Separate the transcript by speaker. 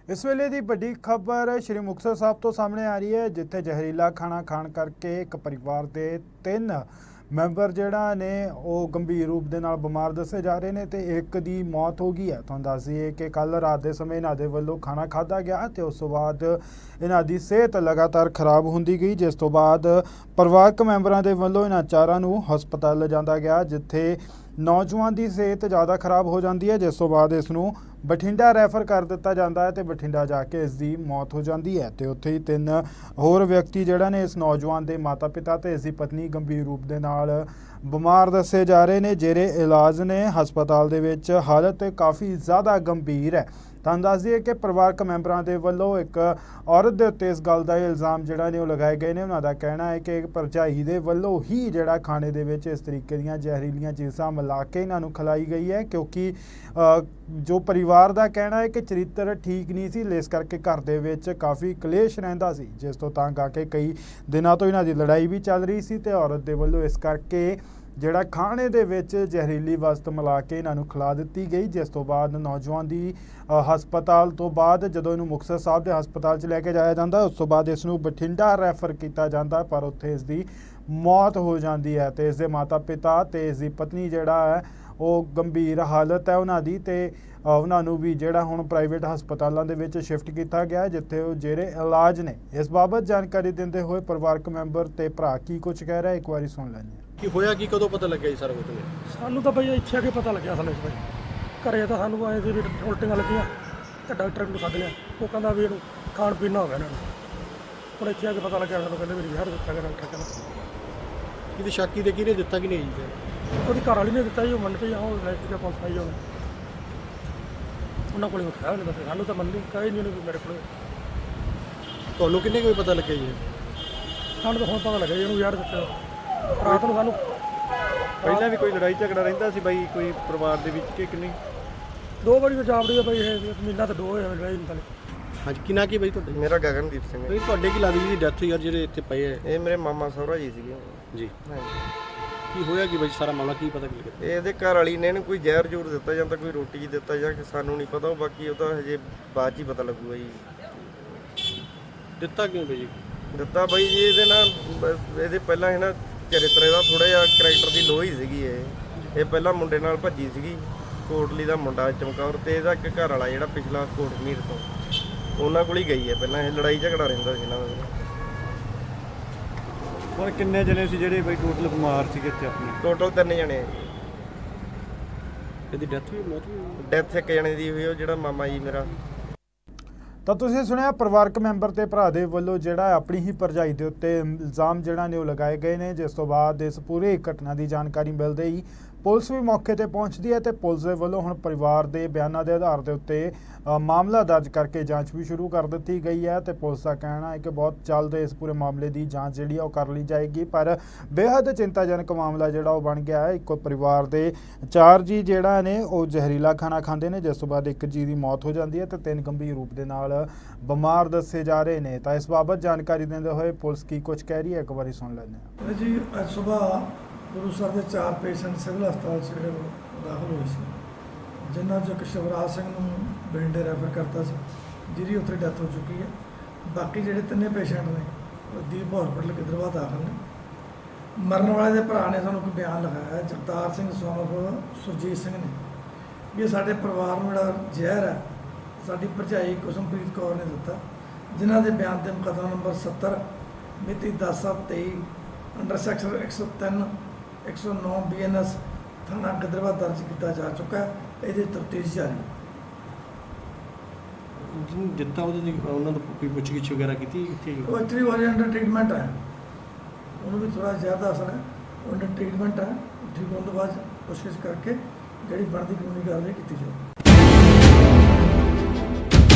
Speaker 1: इस वेले की वड्डी खबर श्री मुक्तसर साहब तो सामने आ रही है, जिथे जहरीला खाना खाण करके एक परिवार के 3 मैंबर जिहड़ा ने वो गंभीर रूप के नाल बीमार दसे जा रहे हैं तो एक की मौत हो गई है। तुहानूं दस दईए कि कल रात के समय इन्हां दे वल्लों खाना खाधा गया तो उस तो बाद इन्हां दी सेहत लगातार खराब होंदी गई, जिस तो बाद परिवारक मैंबरां दे वल्लों इन्हां चारां नूं हस्पताल लिजांदा गया, जिथे नौजवान की सेहत ज़्यादा खराब हो जाती है, जिस तो बाद इसनूं बठिंडा रैफर कर दिता जाता है तो बठिंडा जाके इसकी मौत हो जाती है। तो उत्थे ही 3 होर व्यक्ति जिहड़े ने इस नौजवान के माता पिता तो इसकी पत्नी गंभीर रूप के नाल बीमार दसे जा रहे हैं, जेरे इलाज ने हस्पताल दे विच हालत काफ़ी ज़्यादा गंभीर है। तुहानूं दस दईए कि परिवारक मैंबरां दे वल्लों एक औरत दे उत्ते इस गल दा इल्ज़ाम जिहड़ा ने लगाए गए ने। उन्हां दा कहना है कि भरजाई दे वल्लों ही जिहड़ा खाने दे विच इस तरीके दीयां जहरीलियां चीज़ां मिला के इन्हां नूं खिलाई गई है, क्योंकि जो परिवार का कहना है कि चरित्र ठीक नहीं सी, इस करके घर दे विच काफ़ी कलेश रहिंदा सी, जिस तो तंग आके कई दिनों तो इन्हां दी लड़ाई भी चल रही सी ते औरत दे वल्लों इस करके जिहड़ा खाने दे विच जहरीली वस्त मिला के इन्हां नूं खिला दित्ती गई, जिस तो बाद नौजवान दी हस्पताल तो बाद जदों इहनूं मुक्तसर साहब दे हस्पताल च लैके जाया जाता उस तो बाद इसनूं बठिंडा रैफर किया जाता, पर उत्थे इसकी मौत हो जाती है। तो इसके माता पिता तो इसकी पत्नी जिहड़ा है वो गंभीर हालत है उन्हां दी, ते उन्हां नूं भी जिहड़ा हुण प्राइवेट हस्पतालों दे विच शिफ्ट किया गया, जिथे वो जेरे इलाज ने। इस बाबत जानकारी देंदे होए परिवारक मैंबर ते भरा की कुछ कह रहा है, एक बारी सुन लैंदे
Speaker 2: कि होया कि कदों पता लग्या जी सारा कुछ?
Speaker 3: सानू तो भाई इत्थे आके पता लग्या असल भाई घरे तो सानू आए थे भी उल्टियां लगियां तो डॉक्टर नूं सद लिया, वो कहंदा भी इहनूं खाण पीण ना हो गया इन्हां नूं। हुण इत्थे आके पता लग्या सानू, कहंदे भी जहर दित्ता गया डॉक्टर कहंदा।
Speaker 2: किसी शाकी दे किहने दित्ता कि नहीं जी?
Speaker 3: ਉਹਦੀ ਘਰ ਵਾਲੀ ਨੇ ਦਿੱਤਾ ਜੀ, ਉਹ ਮੰਨ ਪਈ, ਉਹ ਲੈ ਕੇ ਪੁਲਿਸ ਆਈ ਉਹਨੇ, ਉਹਨਾਂ ਕੋਲ ਉਠਾਇਆ ਉਹਨੇ, ਬਸ ਸਾਨੂੰ ਤਾਂ ਮੰਨੀ ਕਹੀ ਨਹੀਂ ਉਹਨੇ ਵੀ ਮੇਰੇ ਕੋਲ।
Speaker 2: ਤੁਹਾਨੂੰ ਕਿੰਨੇ ਕੋਈ ਪਤਾ ਲੱਗਿਆ ਜੀ?
Speaker 3: ਸਾਨੂੰ ਤਾਂ ਹੁਣ ਪਤਾ ਲੱਗਿਆ ਜੀ ਇਹਨੂੰ ਯਾਰ ਦਿੱਤਾ ਰਾਤ ਨੂੰ। ਸਾਨੂੰ
Speaker 4: ਪਹਿਲਾਂ ਵੀ ਕੋਈ ਲੜਾਈ ਝਗੜਾ ਰਹਿੰਦਾ ਸੀ ਬਾਈ ਕੋਈ ਪਰਿਵਾਰ ਦੇ ਵਿੱਚ ਕਿ ਨਹੀਂ?
Speaker 3: 2 ਵਾਰੀ ਜਾਵੜੀ ਆ ਬਾਈ, ਇਹ ਮਹੀਨਾ ਤਾਂ 2 ਹੋਇਆ ਲੜਾਈ ਨਹੀਂ।
Speaker 2: ਹਾਂਜੀ, ਕੀ ਨਾਂ ਕੀ ਬਾਈ ਤੁਹਾਡਾ?
Speaker 4: ਮੇਰਾ ਗਗਨਦੀਪ ਸਿੰਘ ਹੈ।
Speaker 2: ਬਈ ਤੁਹਾਡੇ ਕੀ ਲੱਗਦੀ ਜੀ ਡੈਥ ਯਾਰ ਜਿਹੜੇ ਇੱਥੇ ਪਏ ਹੈ?
Speaker 4: ਇਹ ਮੇਰੇ ਮਾਮਾ ਸਹੁਰਾ ਜੀ ਸੀਗੇ
Speaker 2: ਜੀ।
Speaker 4: ਹਾਂਜੀ।
Speaker 2: ਕੀ ਹੋਇਆ ਕਿ ਬਾਈ ਸਾਰਾ ਮਾਮਲਾ ਕੀ ਪਤਾ ਕੀ?
Speaker 4: ਇਹਦੇ ਘਰ ਵਾਲੀ ਨੇ ਇਹਨੂੰ ਕੋਈ ਜ਼ਹਿਰ ਜ਼ੂਰ ਦਿੱਤਾ ਜਾਂ ਤਾਂ ਕੋਈ ਰੋਟੀ ਦਿੱਤਾ ਜਾਂ ਕਿ ਸਾਨੂੰ ਨਹੀਂ ਪਤਾ, ਉਹ ਬਾਕੀ ਉਹਦਾ ਹਜੇ ਬਾਅਦ 'ਚ ਹੀ ਪਤਾ ਲੱਗੂਗਾ ਜੀ।
Speaker 2: ਦਿੱਤਾ ਕਿਉਂ ਬਾਈ ਜੀ?
Speaker 4: ਦਿੱਤਾ ਬਾਈ ਜੀ ਇਹਦੇ ਨਾਲ ਇਹਦੇ ਪਹਿਲਾਂ ਇਹ ਨਾ ਚਰਿੱਤਰ ਇਹਦਾ ਥੋੜ੍ਹਾ ਜਿਹਾ ਕਰੈਕਟਰ ਦੀ ਲੋਹ ਹੀ ਸੀਗੀ। ਇਹ ਪਹਿਲਾਂ ਮੁੰਡੇ ਨਾਲ ਭੱਜੀ ਸੀਗੀ, ਕੋਟਲੀ ਦਾ ਮੁੰਡਾ ਚਮਕੌਰ, ਤੇ ਇਹਦਾ ਇੱਕ ਘਰ ਵਾਲਾ ਜਿਹੜਾ ਪਿਛਲਾ ਕੋਟਮੀਰ ਤੋਂ ਉਹਨਾਂ ਕੋਲ ਹੀ ਗਈ ਹੈ। ਪਹਿਲਾਂ ਇਹ ਲੜਾਈ ਝਗੜਾ ਰਹਿੰਦਾ ਸੀ ਇਹਨਾਂ ਦਾ।
Speaker 5: ਹੁਣ ਕਿੰਨੇ ਜਣੇ ਸੀ ਜਿਹੜੇ ਬਈ ਟੋਟਲ ਬਿਮਾਰ ਸੀਗੇ ਇੱਥੇ ਆਪਣੇ?
Speaker 4: ਟੋਟਲ 3 ਜਣੇ।
Speaker 2: ਇਹਦੀ ਡੈਥ ਵੀ ਮੌਤ ਵੀ?
Speaker 4: ਡੈਥ 1 ਜਣੇ ਦੀ ਹੋਈ, ਉਹ ਜਿਹੜਾ ਮਾਮਾ ਜੀ ਮੇਰਾ।
Speaker 1: ਤਾਂ ਤੁਸੀਂ ਸੁਣਿਆ परिवारक मैंबर ਤੇ ਭਰਾ ਦੇ ਵੱਲੋਂ ਜਿਹੜਾ ਆਪਣੀ ਹੀ ਭਰਜਾਈ ਦੇ ਉੱਤੇ ਇਲਜ਼ਾਮ ਜਿਹੜਾ ਨੇ ਉਹ ਲਗਾਏ ਗਏ ਨੇ, ਜਿਸ ਤੋਂ ਬਾਅਦ ਇਸ ਪੂਰੀ ਘਟਨਾ ਦੀ ਜਾਣਕਾਰੀ ਮਿਲਦੇ ਹੀ ਪੁਲਿਸ ਵੀ ਮੌਕੇ ਤੇ ਪਹੁੰਚਦੀ ਹੈ ਤੇ ਪੁਲਿਸ ਦੇ ਵੱਲੋਂ ਹੁਣ ਪਰਿਵਾਰ ਦੇ ਬਿਆਨਾਂ ਦੇ ਆਧਾਰ ਦੇ ਉੱਤੇ ਮਾਮਲਾ ਦਰਜ ਕਰਕੇ ਜਾਂਚ ਵੀ ਸ਼ੁਰੂ ਕਰ ਦਿੱਤੀ ਗਈ ਹੈ। ਤੇ ਪੁਲਿਸ ਦਾ ਕਹਿਣਾ ਹੈ ਕਿ ਬਹੁਤ ਜਲਦ ਇਸ ਪੂਰੇ ਮਾਮਲੇ ਦੀ ਜਾਂਚ ਜਿਹੜੀ ਆ ਉਹ ਕਰ ਲਈ ਜਾਏਗੀ, ਪਰ ਬੇहद ਚਿੰਤਾਜਨਕ ਮਾਮਲਾ ਜਿਹੜਾ ਉਹ ਬਣ ਗਿਆ ਹੈ। ਇੱਕੋ ਪਰਿਵਾਰ ਦੇ 4 ਜੀ ਜਿਹੜਾ ਨੇ ਉਹ ਜ਼ਹਿਰੀਲਾ ਖਾਣਾ ਖਾਂਦੇ ਨੇ, ਜਿਸ ਤੋਂ ਬਾਅਦ 1 ਜੀ ਦੀ ਮੌਤ ਹੋ ਜਾਂਦੀ ਹੈ ਤੇ 3 ਗੰਭੀਰ ਰੂਪ ਦੇ ਨਾਲ ਬਿਮਾਰ ਦੱਸੇ ਜਾ ਰਹੇ ਨੇ। ਤਾਂ ਇਸ ਬਾਬਤ ਜਾਣਕਾਰੀ ਦਿੰਦੇ ਹੋਏ ਪੁਲਿਸ ਕੀ ਕੁਝ ਕਹਿ ਰਹੀ ਹੈ, ਇੱਕ ਵਾਰੀ ਸੁਣ ਲੈਂਦੇ ਹਾਂ
Speaker 3: ਜੀ। ਅੱਜ ਸਵੇਰ ਗੁਰੂ ਸਾਹਿਬ ਦੇ 4 ਪੇਸ਼ੈਂਟ ਸਿਵਲ ਹਸਪਤਾਲ 'ਚ ਜਿਹੜੇ ਦਾਖਲ ਹੋਏ ਸੀ, ਜਿਨ੍ਹਾਂ 'ਚੋਂ ਇੱਕ ਸ਼ਿਵਰਾਜ ਸਿੰਘ ਨੂੰ ਬਠਿੰਡੇ ਰੈਫਰ ਕਰਤਾ ਸੀ, ਜਿਹਦੀ ਉੱਥੇ ਡੈਥ ਹੋ ਚੁੱਕੀ ਹੈ। ਬਾਕੀ ਜਿਹੜੇ 3 ਪੇਸ਼ੈਂਟ ਨੇ ਉਹ ਦੀਪ ਹਸਪਤਾਲ ਗਿੱਦੜਬਾਹਾ ਦਾਖਲ ਨੇ। ਮਰਨ ਵਾਲੇ ਦੇ ਭਰਾ ਨੇ ਸਾਨੂੰ ਕੋਈ ਬਿਆਨ ਲਿਖਾਇਆ, ਜਗਤਾਰ ਸਿੰਘ ਸੋਨਫ ਸੁਰਜੀਤ ਸਿੰਘ ਨੇ, ਵੀ ਇਹ ਸਾਡੇ ਪਰਿਵਾਰ ਨੂੰ ਜਿਹੜਾ ਜ਼ਹਿਰ ਹੈ ਸਾਡੀ ਭਰਜਾਈ ਕੁਸਮਪ੍ਰੀਤ ਕੌਰ ਨੇ ਦਿੱਤਾ, ਜਿਨ੍ਹਾਂ ਦੇ ਬਿਆਨ 'ਤੇ ਮੁਕੱਦਮਾ ਨੰਬਰ 70 ਮਿਤੀ 10/7/23 ਅੰਡਰ ਸੈਕਸ਼ਨ 103 109 BNS ਥਾਣਾ ਗਿੱਦੜਬਾਹਾ ਦਰਜ ਕੀਤਾ ਜਾ ਚੁੱਕਾ ਹੈ। ਇਹਦੀ ਤਫਤੀਸ਼ ਜਾਰੀ ਹੈ।
Speaker 2: ਜਿਹਨੂੰ ਦਿੱਤਾ ਉਹਦੇ ਦੀ ਉਹਨਾਂ ਤੋਂ ਕੋਈ ਪੁੱਛਗਿੱਛ ਵਗੈਰਾ ਕੀਤੀ?
Speaker 3: ਉਹ ਐਕਚੁਅਲੀ ਉਹ ਅੰਡਰ ਟ੍ਰੀਟਮੈਂਟ ਹੈ, ਉਹਨੂੰ ਵੀ ਥੋੜ੍ਹਾ ਜ਼ਿਆਦਾ ਅਸਰ ਹੈ, ਉਹ ਅੰਡਰ ਟ੍ਰੀਟਮੈਂਟ ਹੈ। ਠੀਕ ਹੋਣ ਤੋਂ ਬਾਅਦ ਪੁੱਛਗਿੱਛ ਕਰਕੇ ਜਿਹੜੀ ਬਣਦੀ ਕਾਨੂੰਨੀ ਕਾਰਵਾਈ ਕੀਤੀ ਜਾਊ।